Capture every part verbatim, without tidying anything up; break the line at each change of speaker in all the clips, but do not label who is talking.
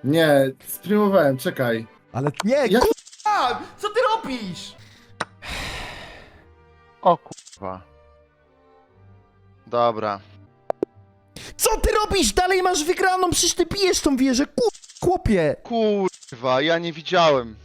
Nie, streamowałem, czekaj.
Ale nie,
Jak-
kurwa! Co ty robisz?
O kurwa. Dobra.
Co ty robisz? Dalej masz wygraną, przecież ty pijesz tą wieżę, kurwa, chłopie!
Kurwa, ja nie widziałem.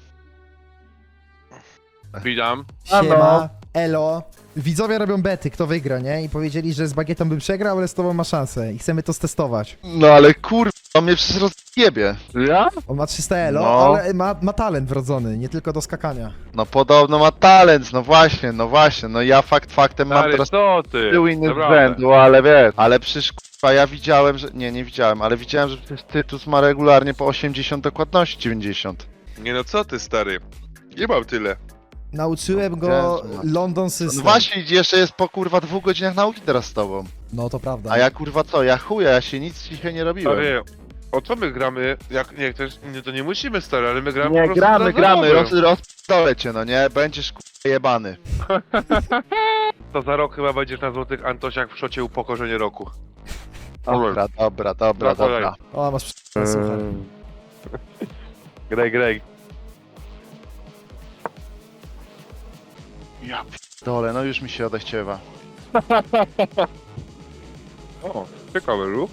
Witam.
Siema, elo. Widzowie robią bety, kto wygra, nie? I powiedzieli, że z Bagietą by przegrał, ale z tobą ma szansę i chcemy to stestować.
No ale kurwa, on mnie przecież rozjebie.
Ja?
On ma trzysta elo,
No.
ale ma, ma talent wrodzony, nie tylko do skakania.
No podobno ma talent, no właśnie, no właśnie. No ja fakt faktem mam
Stary,
teraz
co ty?
tył inny z
Naprawdę.
rzędu, ale wiesz. Ale przecież kurwa, ja widziałem, że... Nie, nie widziałem, ale widziałem, że przecież Tytus ma regularnie po osiemdziesiąt dokładności, dziewięćdziesiąt.
Nie no, co ty, stary? Nie mam tyle.
Nauczyłem go
Jezu,
London
No
System.
właśnie, jeszcze jest po kurwa dwóch godzinach nauki teraz z tobą.
No to prawda.
A ja kurwa co, ja chuja, ja się nic dzisiaj nie robiłem.
Stary, o co my gramy? Jak nie chcesz, nie, to nie musimy, stary, ale my gramy po
Nie,
prostu
gramy,
dla
gramy, roz,
zabawy.
rozdolę cię, no nie? Będziesz kurwa jebany.
To za rok chyba będziesz na Złotych Antosiach w szocie upokorzenie roku.
Dobra, dobra, dobra,
No, kolej.
dobra.
O, masz przy... słuchaj.
Greg, Greg.
Ja dole, no już mi się odechciewa.
O, ciekawy ruch.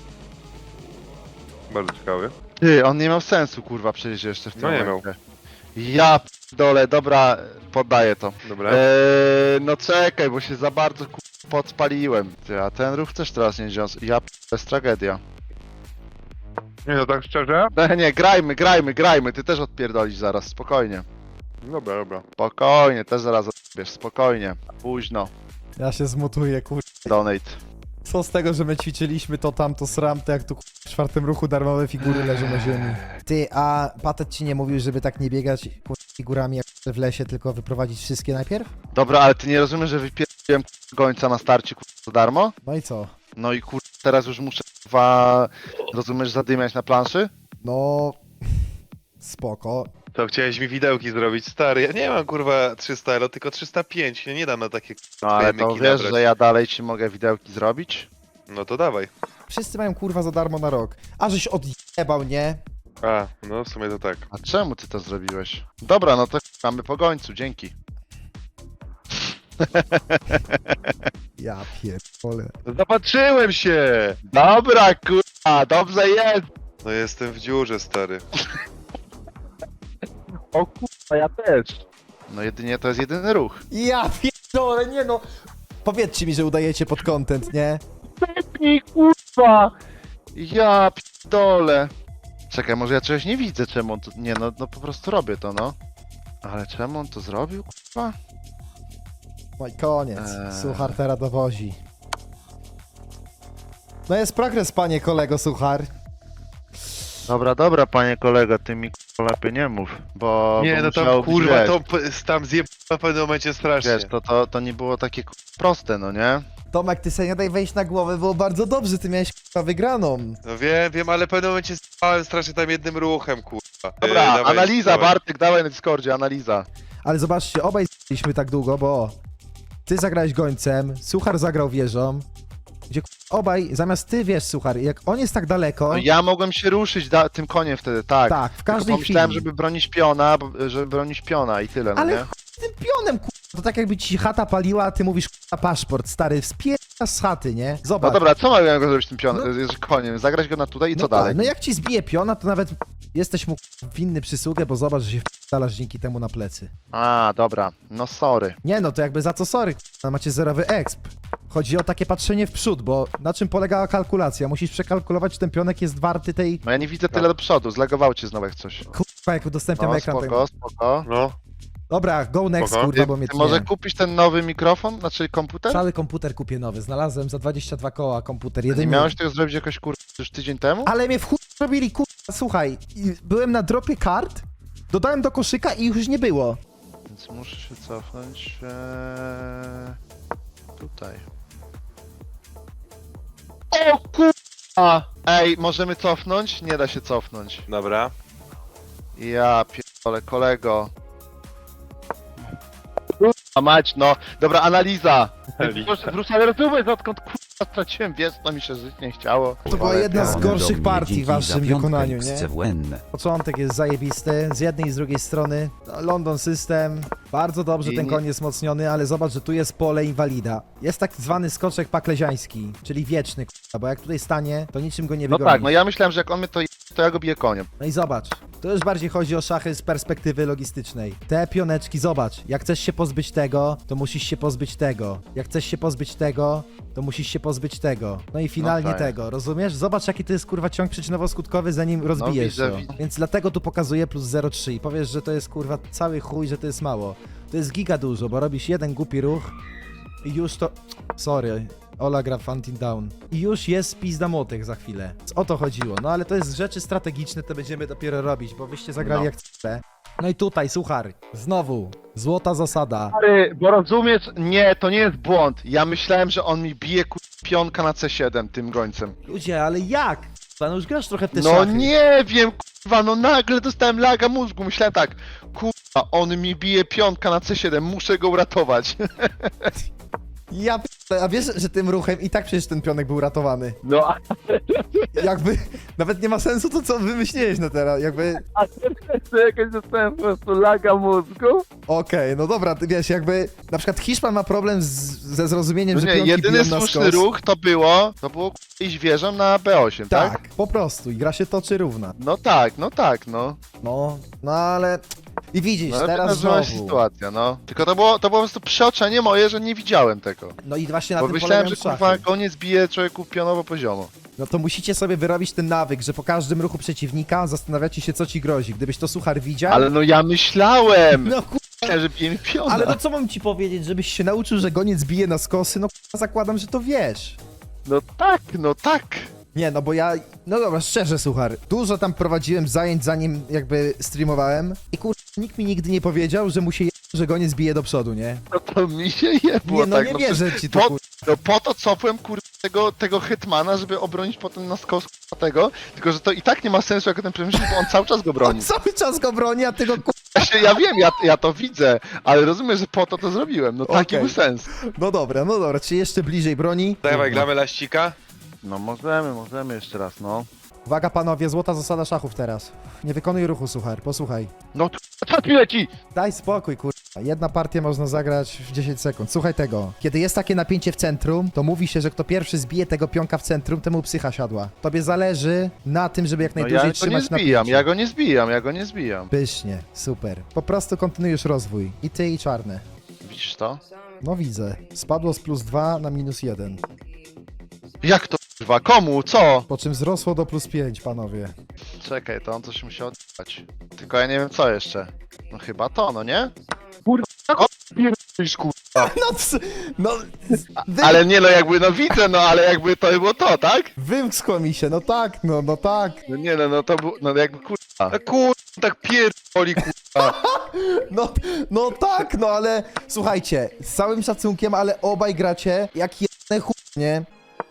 Bardzo ciekawy.
Ty, on nie miał sensu kurwa przecież jeszcze w tym
No nie
momencie. Ja dole, dobra, poddaję to.
Dobra.
Eee, no czekaj, bo się za bardzo kurwa podpaliłem. Ty, a ten ruch też teraz nie wziął. Ja p- to jest tragedia.
Nie no, tak szczerze?
Nie, nie, grajmy, grajmy, grajmy, ty też odpierdolisz zaraz, spokojnie.
Dobra, dobra.
Spokojnie, też zaraz odbierz, spokojnie. Późno,
Ja się zmutuję, kur...
donate.
Co z tego, że my ćwiczyliśmy to tamto sram, to jak tu kur... w czwartym ruchu darmowe figury leżą na ziemi. Ty, a Patet ci nie mówił, żeby tak nie biegać kur... figurami jak w lesie, tylko wyprowadzić wszystkie najpierw?
Dobra, ale ty nie rozumiesz, że wypierdoliłem gońca na starcie kurwa za darmo?
No i co?
No i kurwa, teraz już muszę kurwa, rozumiesz, zadymiać na planszy?
No... Spoko.
To chciałeś mi widełki zrobić, stary. Ja nie mam kurwa trzysta elo, tylko trzysta pięć. Ja nie dam na takie
No ale to
myki
wiesz,
nabrać.
że ja dalej ci mogę widełki zrobić?
No to dawaj.
Wszyscy mają kurwa za darmo na rok. A żeś odjebał, nie?
A, no w sumie to tak.
A czemu ty to zrobiłeś? Dobra, no to mamy po gońcu, dzięki.
Ja pierdolę.
Zapatrzyłem się!
Dobra, kurwa, dobrze jest!
No jestem w dziurze, stary.
O kurwa, ja też. No jedynie to jest jedyny ruch.
Ja pierdolę, nie no. Powiedzcie mi, że udajecie pod content, nie?
Pepnij, kurwa! Ja pierdolę. Czekaj, może ja czegoś nie widzę, czemu on to... Nie, no, no po prostu robię to, no. Ale czemu on to zrobił, kurwa?
No i koniec.
Eee.
Suchar teraz dowozi. No jest progres, panie kolego Suchar.
Dobra, dobra, panie kolego, ty mi kurwa lepiej nie mów, bo...
Nie,
bo
no
musiało
tam
być,
kurwa,
wiesz,
to p- tam zjeb w pewnym momencie strasznie.
Wiesz, to, to, to nie było takie kurwa proste, no nie?
Tomek, ty sobie nie daj wejść na głowę, było bardzo dobrze, ty miałeś k***a wygraną.
No wiem, wiem, ale w pewnym momencie spałem strasznie tam jednym ruchem, kurwa.
Dobra,
Ej, dawaj,
analiza,
dawaj.
Bartek, dawaj na Discordzie, analiza.
Ale zobaczcie, obaj byliśmy tak długo, bo ty zagrałeś gońcem, Suchar zagrał wieżą, gdzie k***a, obaj, zamiast ty wiesz, Suchar, jak on jest tak daleko,
No ja mogłem się ruszyć da- tym koniem wtedy, tak.
tak, w
Tylko
każdej
pomyślałem,
chwili.
żeby bronić piona, bo- żeby bronić piona i tyle, no
Ale
nie?
chuj z tym pionem, k***a, to tak jakby ci chata paliła, a ty mówisz k***a paszport, stary, wspierasz z chaty, nie?
No
Zobacz.
dobra, co mogłem go zrobić tym pionem,
No.
no. koniem? Zagrać go na tutaj i co
no
dalej?
Tak, no jak ci zbije piona, to nawet jesteś mu winny przysługę, bo zobacz, że się wdalasz dzięki temu na plecy.
A, dobra, no sorry.
Nie no, to jakby za co sorry, k***a, macie zerowy exp. Chodzi o takie patrzenie w przód, bo na czym polegała kalkulacja? Musisz przekalkulować, czy ten pionek jest warty tej...
No ja nie widzę tyle do przodu, zlagowało cię znowu jak coś.
Kurwa, jak udostępniam
No
ekran.
spoko, spoko.
No,
Dobra, go next,
Spoko.
kurwa,
Ty,
bo mnie
ty może
tnie.
kupisz ten nowy mikrofon, znaczy komputer?
Cały komputer kupię nowy, znalazłem za dwadzieścia dwa koła komputer,
Nie
jedynie...
miałeś tego zrobić jakoś kur... już tydzień temu?
Ale mnie w chuj robili, kurwa, słuchaj, i byłem na dropie kart, dodałem do koszyka i już nie było.
Więc muszę się cofnąć eee... tutaj. O kurwa! Ej, możemy cofnąć? Nie da się cofnąć.
dobra.
Ja pierdolę, kolego. Kurwa mać, no. Dobra, analiza. Wrócę, wrócę, ale rozumiesz, odkąd kurwa straciłem wiec, to mi się żyć nie chciało.
To była jedna z
Pan do
gorszych
mnie
partii w
dzięki za
waszym
piątkę
wykonaniu, nie?
C W N.
Początek jest zajebisty, z jednej i z drugiej strony. No, London System, bardzo dobrze
I
ten
nie-
koń jest wzmocniony, ale zobacz, że tu jest pole inwalida. Jest tak zwany skoczek pakleziański, czyli wieczny, k***a, bo jak tutaj stanie, to niczym go nie
No
wygoni.
tak, no ja myślałem, że jak on mnie to je, to ja go biję koniem.
No i zobacz, to już bardziej chodzi o szachy z perspektywy logistycznej. Te pioneczki, zobacz, jak chcesz się pozbyć tego, to musisz się pozbyć tego. Jak chcesz się pozbyć tego, to musisz się pozbyć tego. No i finalnie
tak.
tego, rozumiesz? Zobacz, jaki to jest kurwa ciąg przyczynowo-skutkowy, zanim rozbijesz
widzę,
to.
widzę.
Więc dlatego tu pokazuję plus zero przecinek trzy i powiesz, że to jest kurwa cały chuj, że to jest mało. To jest giga dużo, bo robisz jeden głupi ruch i już to... Sorry. Ola gra Fantin Down. I już jest pizda młotych za chwilę. O to chodziło. No ale to jest rzeczy strategiczne, to będziemy dopiero robić, bo wyście zagrali
No.
jak chce. No i tutaj, suchar. Znowu. Złota zasada.
Stary, bo rozumiesz, nie, to nie jest błąd. Ja myślałem, że on mi bije kur... pionka na C siedem tym gońcem.
Ludzie, ale jak? No już grasz trochę w te
No
szachy.
nie wiem, kurwa, no nagle dostałem laga mózgu. Myślałem tak, kurwa, on mi bije pionka na C siedem, muszę go uratować.
Ja p... A wiesz, że tym ruchem i tak przecież ten pionek był ratowany.
No, a
Jakby... Nawet nie ma sensu to, co wymyśliłeś na teraz. Jakby...
a to jakoś dostałem po prostu laga mózgu.
Okej, no dobra, ty wiesz, jakby... Na przykład Hiszpan ma problem z... ze zrozumieniem,
No
że
nie,
pionki
jedyny
biją na
słuszny
skos.
ruch to było, to było kurwa, iść wieżą na B osiem, tak?
Tak, po prostu. I gra się toczy równa.
No tak, no tak, no.
No, no ale... I widzisz,
No ale
teraz
wydarzyła
znowu.
się sytuacja, no. Tylko to było, to było po prostu przeoczenie moje, że nie widziałem tego.
No i właśnie na
Bo
tym
myślałem,
polegają
że kurwa
szachy.
koniec bije człowieku pionowo poziomo.
No to musicie sobie wyrobić ten nawyk, że po każdym ruchu przeciwnika zastanawiacie się, co ci grozi. Gdybyś to suchar widział...
Ale no ja myślałem!
No ku...
Myślałem, że bije mi piona.
Ale to co mam ci powiedzieć, żebyś się nauczył, że goniec bije na skosy? No k***a, zakładam, że to wiesz.
No tak, no tak.
Nie, no bo ja... No dobra, szczerze, suchar. Dużo tam prowadziłem zajęć, zanim jakby streamowałem. I kur... nikt mi nigdy nie powiedział, że mu się je... że goniec bije do przodu, nie?
No to mi się jebło,
Nie, no
tak.
nie
no,
wierzę ci to,
po,
kur...
no po to cofłem kur... tego, tego Hetmana, żeby obronić potem na skos kurwa, tego. Tylko, że to i tak nie ma sensu jako ten przemyśl, bo on cały czas go
On
broni.
cały czas go broni, a ty go kur...
Ja, się, ja wiem, ja, ja to widzę, ale rozumiem, że po to to zrobiłem. No taki
Okej.
był sens.
No dobra, no dobra, czy jeszcze bliżej broni?
Dawaj, gramy laścika.
No możemy, możemy jeszcze raz, no.
Uwaga panowie, złota zasada szachów teraz. Nie wykonuj ruchu, suchar, posłuchaj.
No to czas mi leci!
Daj spokój, kurwa. Jedna partia można zagrać w dziesięć sekund. Słuchaj tego. Kiedy jest takie napięcie w centrum, to mówi się, że kto pierwszy zbije tego pionka w centrum, temu psycha siadła. Tobie zależy na tym, żeby jak
No
najdłużej
ja go nie
trzymać
zbijam,
napięcie.
ja go nie zbijam, ja go nie zbijam.
Pysznie, super. Po prostu kontynuujesz rozwój. I ty, i czarny.
Widzisz to?
No widzę. Spadło z plus dwa na minus jeden.
Jak to kurwa? Komu? Co?
Po czym wzrosło do plus pięć, panowie.
Czekaj, to on coś musi oddać. Tylko ja nie wiem co jeszcze. No chyba to, no nie? Kurwa, o, pierdolisz, kurwa.
No, ps- no... Wy...
Ale nie no, jakby, no widzę, no ale jakby to było to, tak?
Wymskło mi się, no tak, no, no tak.
No nie no, no to było, no jakby kurwa.
A kur... tak pierdoli, kurwa.
No, no tak, no ale słuchajcie, z całym szacunkiem, ale obaj gracie jak jedne chuj, nie?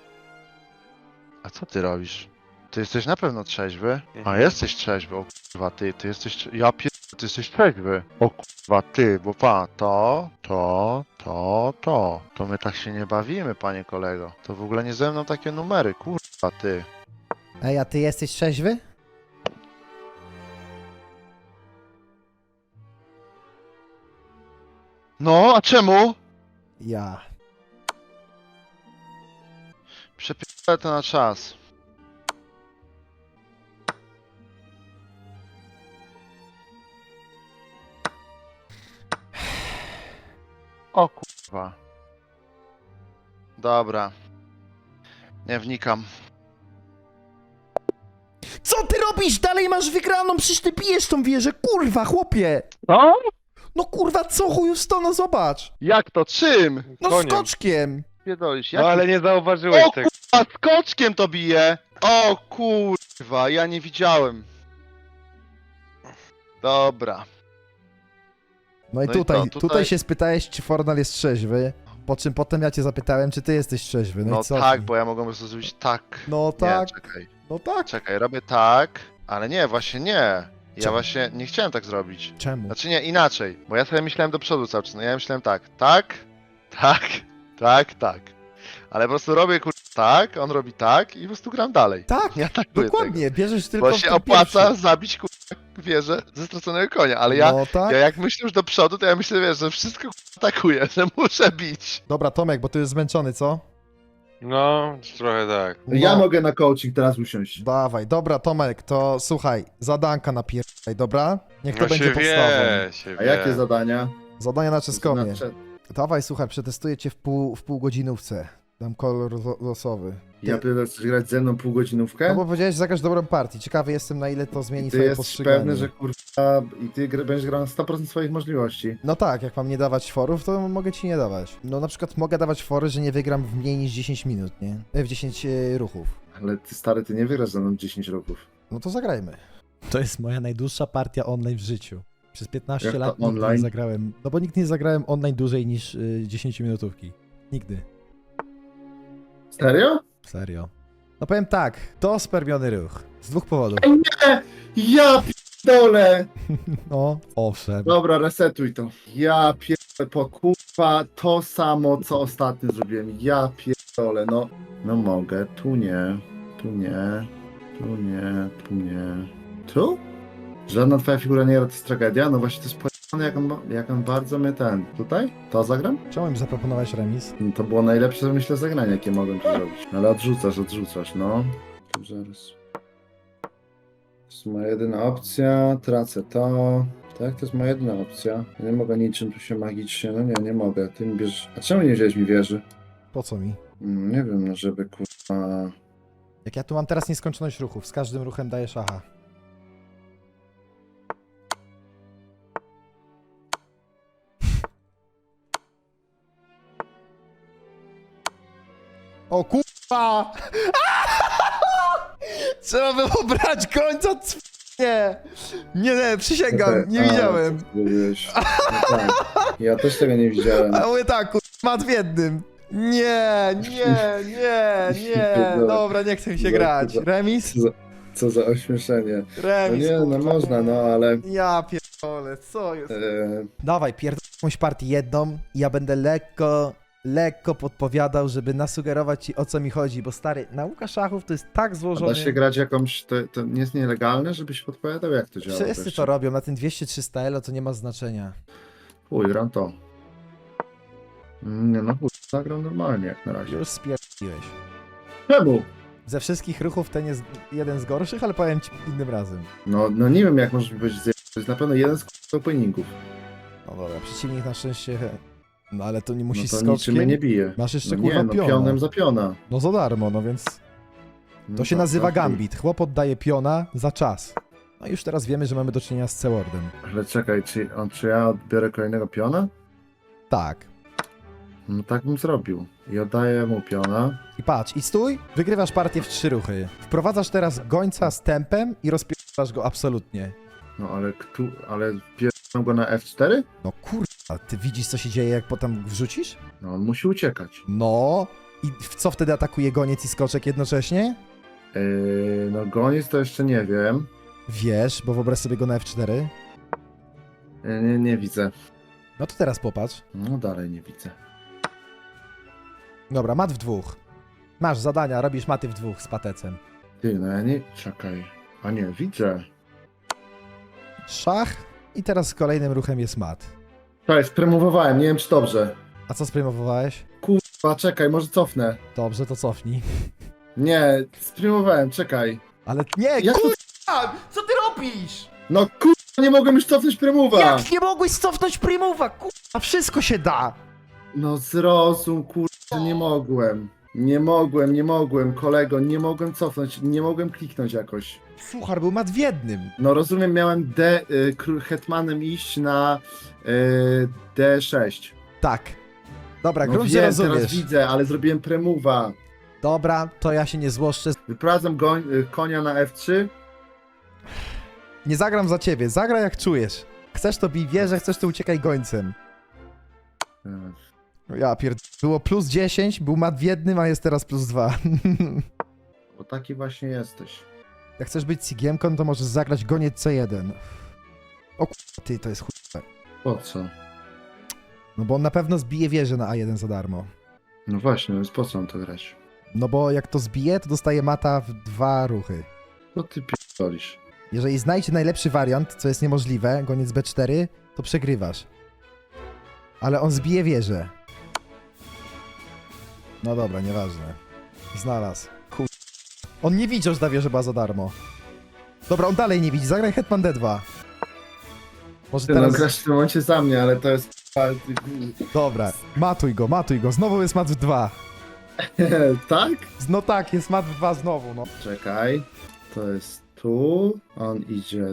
A co ty robisz? Ty jesteś na pewno trzeźwy? A
Mhm.
jesteś trzeźwy, o kurwa ty, ty jesteś, trze- ja pier... ty jesteś trzeźwy. O kurwa ty, bo pa, to, to, to, to. To my tak się nie bawimy, panie kolego. To w ogóle nie ze mną takie numery, kurwa ty.
Ej, a ty jesteś trzeźwy?
No, a czemu?
Ja.
Przepierdolę to na czas. O kurwa. Dobra. Nie wnikam.
Co ty robisz? Dalej masz wygraną, przecież ty bijesz tą wieżę, kurwa, chłopie!
Co?
No kurwa, co chuju sto, no zobacz!
Jak to? Czym?
No
Koniem.
skoczkiem!
Pierdolisz,
No
jak...
ale nie zauważyłeś
O
tego.
kurwa, skoczkiem to bije! O kurwa, ja nie widziałem. Dobra.
No i
No i
tutaj,
co,
tutaj...
tutaj-
się spytałeś, czy Fornal jest trzeźwy, po czym potem ja cię zapytałem, czy ty jesteś trzeźwy, no,
No
i co?
tak,
ty?
bo ja mogłem po prostu zrobić tak.
No tak,
Nie, czekaj.
no tak.
Czekaj, robię tak, ale nie, właśnie nie. Ja
Czemu?
właśnie nie chciałem tak zrobić.
Czemu?
Znaczy nie, inaczej, bo ja sobie myślałem do przodu cały czas. No ja myślałem tak, tak, tak, tak, tak. Ale po prostu robię kur... tak, on robi tak i po prostu gram dalej.
Tak,
Nie atakuję
dokładnie, bierzesz
tego.
tylko
Bo
w
się
ten
opłaca
pierwszy.
zabić kurwa wieżę ze straconego konia, ale ja,
No tak.
ja jak myślę już do przodu, to ja myślę, wiesz, że wszystko kurwa atakuję, że muszę bić.
Dobra, Tomek, bo ty już zmęczony, co?
No, trochę tak.
No,
Ja mogę na coaching teraz usiąść.
Dawaj, dobra, Tomek, to słuchaj, zadanka napierdaj, dobra? Niech to
No
będzie
się
podstawą.
wie, się
A
wie.
jakie zadania?
Zadania na czeskomie.
Znaczy,
Dawaj, słuchaj, przetestuję cię w pół, w półgodzinówce. Dam kolor lo- losowy.
ja pytam, chcesz grać ze mną półgodzinówkę?
No bo powiedziałeś, że zagrasz dobrą partię. Ciekawy jestem, na ile to zmieni
Ty
twoje
jesteś
postrzeganie.
pewny, że kurwa i ty gr- będziesz grał na sto procent swoich możliwości.
No tak, jak mam nie dawać forów, to mogę ci nie dawać. No na przykład mogę dawać fory, że nie wygram w mniej niż dziesięć minut, nie? E, W dziesięć e, ruchów.
Ale ty stary, ty nie wygrasz ze mną dziesięć roków.
No to zagrajmy. To jest moja najdłuższa partia online w życiu. Przez piętnaście
Jak to
lat nigdy nie
online?
zagrałem. No bo nigdy nie zagrałem online dłużej niż y, dziesięć minutówki. Nigdy.
Serio?
Serio. No powiem tak, to spermiony ruch. Z dwóch powodów.
Nie! Ja pierdolę!
No, owszem.
Dobra, resetuj to. Ja pierdolę, po kurwa to samo, co ostatnio zrobiłem. Ja pierdolę, no. No mogę, tu nie, tu nie, tu nie, tu nie. Tu? Żadna twoja figura nie gra, to jest tragedia? No właśnie to jest pojechane, jak on, ma- jak on bardzo mnie ten... Tutaj? To zagram?
Czemu im zaproponowałeś remis?
No to było najlepsze, myślę, zagranie, jakie mogłem tu zrobić. Ale odrzucasz, odrzucasz, no. Tu zaraz. To jest moja jedyna opcja, tracę to. Tak, to jest moja jedyna opcja. Ja nie mogę niczym tu się magicznie, no nie, nie mogę. Ty mi bierzesz... A czemu nie wziąłeś mi wieży?
Po co mi?
Mm, nie wiem, no żeby kurwa...
Jak ja tu mam teraz nieskończoność ruchów, z każdym ruchem daję szacha. O kurwa! Trzeba było brać końca, c... Nie! Nie, nie, przysięgam, nie
A,
widziałem.
co ty zrobiłeś? No tak. Ja też tego nie widziałem.
A mówię tak, kurwa, mat w jednym. Nie, nie, nie, nie. Dobra, nie chcę mi się grać. Remis?
Co za, co za ośmieszenie. No
Remis,
nie, no
kurwa.
można, no ale...
Ja pierdolę, co jest?
E,
Dawaj, pierdol jakąś partię jedną i ja będę lekko, lekko podpowiadał, żeby nasugerować ci, o co mi chodzi, bo stary, nauka szachów to jest tak
a
złożony.
da się grać jakąś... To, to nie jest nielegalne, żebyś podpowiadał, jak to działa?
Wszyscy
wreszcie?
to robią, na tym dwieście trzysta elo to nie ma znaczenia.
Chuj, gram to. Nie no, chuj, zagram normalnie jak na razie.
Już spierdoliłeś.
Czemu?
Ze wszystkich ruchów ten jest jeden z gorszych, ale powiem ci innym razem.
No, no nie wiem, jak możesz być zje... To jest na pewno jeden z k***a openingów.
No dobra, przeciwnik na szczęście... No ale to nie musi
No to
skoczkiem.
niczym mnie nie bije.
Masz jeszcze
No
kurwa
nie, no
piona.
pionem za piona.
No za darmo, no więc...
No
To się
tak,
nazywa
tak.
gambit. Chłop oddaje piona za czas. No i już teraz wiemy, że mamy do czynienia z C-Wordem.
Ale czekaj, czy, on, czy ja odbiorę kolejnego piona?
Tak.
No tak bym zrobił. I oddaję mu piona.
I patrz, i stój, wygrywasz partię w trzy ruchy. Wprowadzasz teraz gońca z tempem i rozpierasz go absolutnie.
No ale kto... Ale pierdolę go na F cztery?
No kurwa, ty widzisz, co się dzieje, jak potem wrzucisz?
No on musi uciekać.
No. I w co wtedy atakuje goniec i skoczek jednocześnie?
Yy, no goniec to jeszcze nie wiem.
Wiesz, bo wyobraź sobie go na F cztery.
Yy, nie, nie widzę.
No to teraz popatrz.
No dalej nie widzę.
Dobra, mat w dwóch. Masz zadania, robisz maty w dwóch z patecem.
Ty, no ja nie... Czekaj. A nie, widzę.
Szach i teraz z kolejnym ruchem jest mat.
Czekaj, spremowowałem, nie wiem czy dobrze.
A co sprymowałeś?
Kurwa, czekaj, może cofnę.
Dobrze, to cofnij.
Nie, spremowałem, czekaj.
Ale nie,
Jak to...
kurwa! Co ty robisz?
No kurwa, nie mogłem już cofnąć premowa.
Jak nie mogłeś cofnąć Primowa? Kurwa, wszystko się da!
No zrozum, kurwa, nie mogłem. Nie mogłem, nie mogłem, kolego, nie mogłem cofnąć, nie mogłem kliknąć jakoś.
Suchar był mat w jednym.
No rozumiem, miałem D, y, król hetmanem iść na y, D sześć.
Tak. Dobra,
No
grunt, że
wiem, teraz
rozumiesz.
widzę, ale zrobiłem premowa.
Dobra, to ja się nie złoszczę.
Wyprowadzam goń, y, konia na F trzy.
Nie zagram za ciebie, zagraj jak czujesz. Chcesz to bij wieżę, chcesz to uciekaj gońcem.
Y,
Ja pierd... Było plus dziesięć, był mat w jednym, a jest teraz plus dwa.
Bo taki właśnie jesteś.
Jak chcesz być Sigiemką, to możesz zagrać goniec C jeden. O k***a, ty, to jest chuj.
Po co?
No bo on na pewno zbije wieżę na A jeden za darmo.
No właśnie, więc po co mam to grać?
No bo jak to zbije, to dostaje mata w dwa ruchy.
Co ty pierdolisz?
Jeżeli znajdzie najlepszy wariant, co jest niemożliwe, goniec B cztery, to przegrywasz. Ale on zbije wieżę. No dobra, nieważne. Znalazł. Chuj. On nie widział, że ta wieża była za darmo. Dobra, on dalej nie widzi. Zagraj Hetman D dwa. Może
Ty, no
teraz...
grasz w tym momencie za mnie, ale to jest...
Dobra, matuj go, matuj go. Znowu jest mat w dwa.
Tak?
No tak, jest mat w dwa znowu, no.
Czekaj. To jest tu. On idzie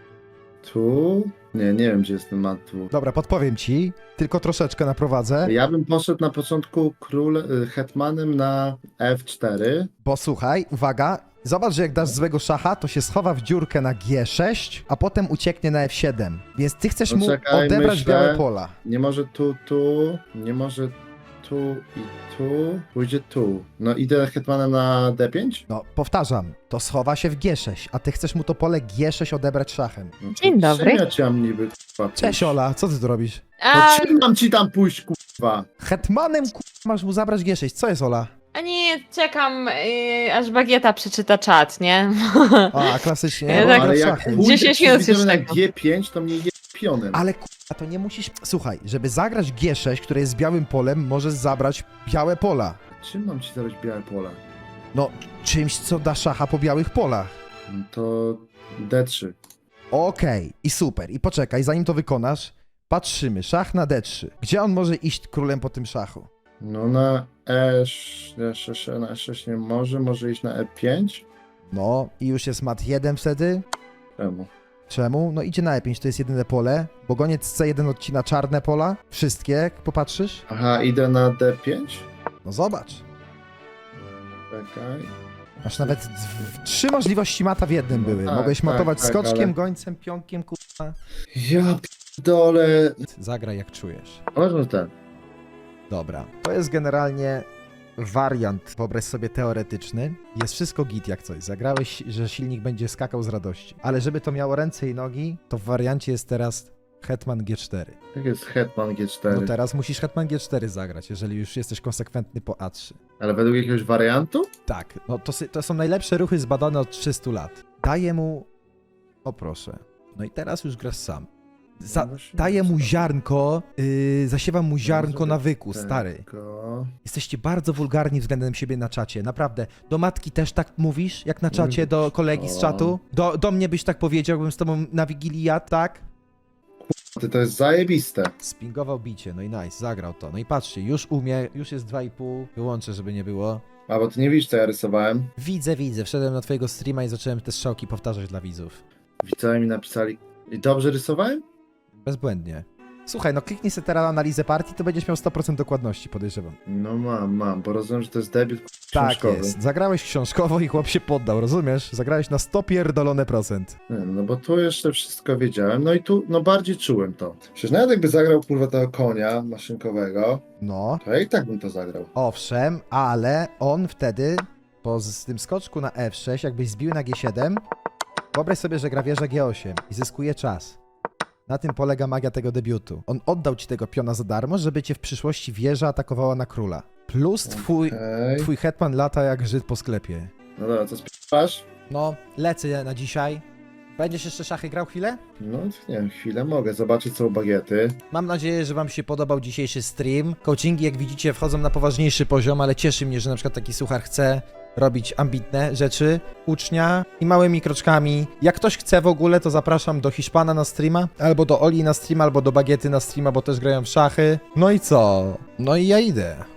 tu. Nie, nie wiem, gdzie jest ten mat tu.
Dobra, podpowiem ci. Tylko troszeczkę naprowadzę.
Ja bym poszedł na początku król y, hetmanem na F cztery.
Bo słuchaj, uwaga, zobacz, że jak dasz złego szacha, to się schowa w dziurkę na G sześć, a potem ucieknie na F siedem. Więc ty chcesz
No
mu
czekaj,
odebrać
myślę.
białe pola.
Nie może tu, tu. Nie może tu i tu. Pójdzie tu. No idę hetmanem na D pięć?
No, powtarzam, to schowa się w G sześć, a ty chcesz mu to pole G sześć odebrać szachem.
No to
Dzień dobry.
czym ja cię mam niby, kurwa,
Cześć
pójść?
Ola, co ty tu robisz?
No
A,
czym mam ci tam pójść, kurwa?
Hetmanem ku... masz mu zabrać G sześć, co jest Ola?
a nie, czekam, yy, aż Bagieta przeczyta czat, nie?
A, klasycznie,
Ja
bo
tak-
gra w
ale jak
szachy.
pójdę
dziesięć
przy
minut
widzeniu
już
na
tego.
G pięć, to mnie je pionem.
Ale kurwa, to nie musisz... Słuchaj, żeby zagrać G sześć, które jest białym polem, możesz zabrać białe pola.
Czym mam ci zabrać białe pola?
No, czymś, co da szacha po białych polach.
No to D trzy.
Okej, i super. I poczekaj, zanim to wykonasz, patrzymy. Szach na D trzy. Gdzie on może iść królem po tym szachu?
No na E sześć, na E sześć nie może, może iść na E pięć?
No, i już jest mat jeden wtedy.
Czemu?
Czemu? No idzie na E pięć, to jest jedyne pole. Bo goniec C jeden odcina czarne pola. Wszystkie, jak popatrzysz.
Aha, idę na D pięć?
No zobacz.
Czekaj.
Masz nawet d- trzy możliwości mata w jednym
No
były.
tak,
Mogłeś
tak,
matować
tak,
skoczkiem,
ale-
gońcem, pionkiem, kurwa.
Ja pierdolę.
Zagraj jak czujesz.
Może ten.
Dobra. To jest generalnie wariant, wyobraź sobie, teoretyczny. Jest wszystko git jak coś. Zagrałeś, że silnik będzie skakał z radości. Ale żeby to miało ręce i nogi, to w wariancie jest teraz Hetman G cztery.
Jak jest hetman G
No
cztery?
teraz musisz Hetman G cztery zagrać, jeżeli już jesteś konsekwentny po A trzy.
Ale według jakiegoś wariantu?
Tak, no to, sy- to są najlepsze ruchy zbadane od trzystu lat. Daję mu... O proszę. No i teraz już grasz sam. Za,
No właśnie,
daję mu
co?
ziarnko, yy, zasiewam mu ziarnko
zrobię
nawyku, stary.
Tego.
Jesteście bardzo wulgarni względem siebie na czacie, naprawdę. Do matki też tak mówisz, jak na czacie, do kolegi z
O.
czatu? Do, do mnie byś tak powiedział, bym z tobą na Wigilii jadł, tak?
Ty, to jest zajebiste.
Spingował bicie, no i nice, zagrał to. No i patrzcie, już umie, już jest dwa i pół, wyłączę, żeby nie było.
A bo ty nie widzisz, co ja rysowałem.
Widzę, widzę, wszedłem na twojego streama i zacząłem te strzałki powtarzać dla widzów.
Widzowie mi napisali. I dobrze rysowałem?
Bezbłędnie. Słuchaj, no kliknij sobie teraz analizę partii, to będziesz miał sto procent dokładności, podejrzewam.
No mam, mam, bo rozumiem, że to jest debiut
Tak
książkowy.
jest. Zagrałeś książkowo i chłop się poddał, rozumiesz? Zagrałeś na sto pierdolone procent.
Nie, no bo tu jeszcze wszystko wiedziałem, no i tu, no bardziej czułem to. Przecież nawet jakby zagrał kurwa tego konia maszynkowego,
No,
to ja i tak bym to zagrał.
owszem, ale on wtedy, po z tym skoczku na F sześć, jakbyś zbił na G siedem, wyobraź sobie, że gra wieża G osiem i zyskuje czas. Na tym polega magia tego debiutu. On oddał ci tego piona za darmo, żeby cię w przyszłości wieża atakowała na króla. Plus twój,
Okej.
twój hetman lata jak Żyd po sklepie.
No dobra, co spierasz?
No, lecę na dzisiaj. Będziesz jeszcze szachy grał chwilę?
No nie wiem, chwilę mogę zobaczyć, co u bagiety.
Mam nadzieję, że wam się podobał dzisiejszy stream. Coachingi, jak widzicie, wchodzą na poważniejszy poziom, ale cieszy mnie, że na przykład taki suchar chce robić ambitne rzeczy ucznia i małymi kroczkami. Jak ktoś chce w ogóle, to zapraszam do Hiszpana na streama, albo do Oli na streama, albo do Bagiety na streama, bo też grają w szachy. No i co? No i ja idę.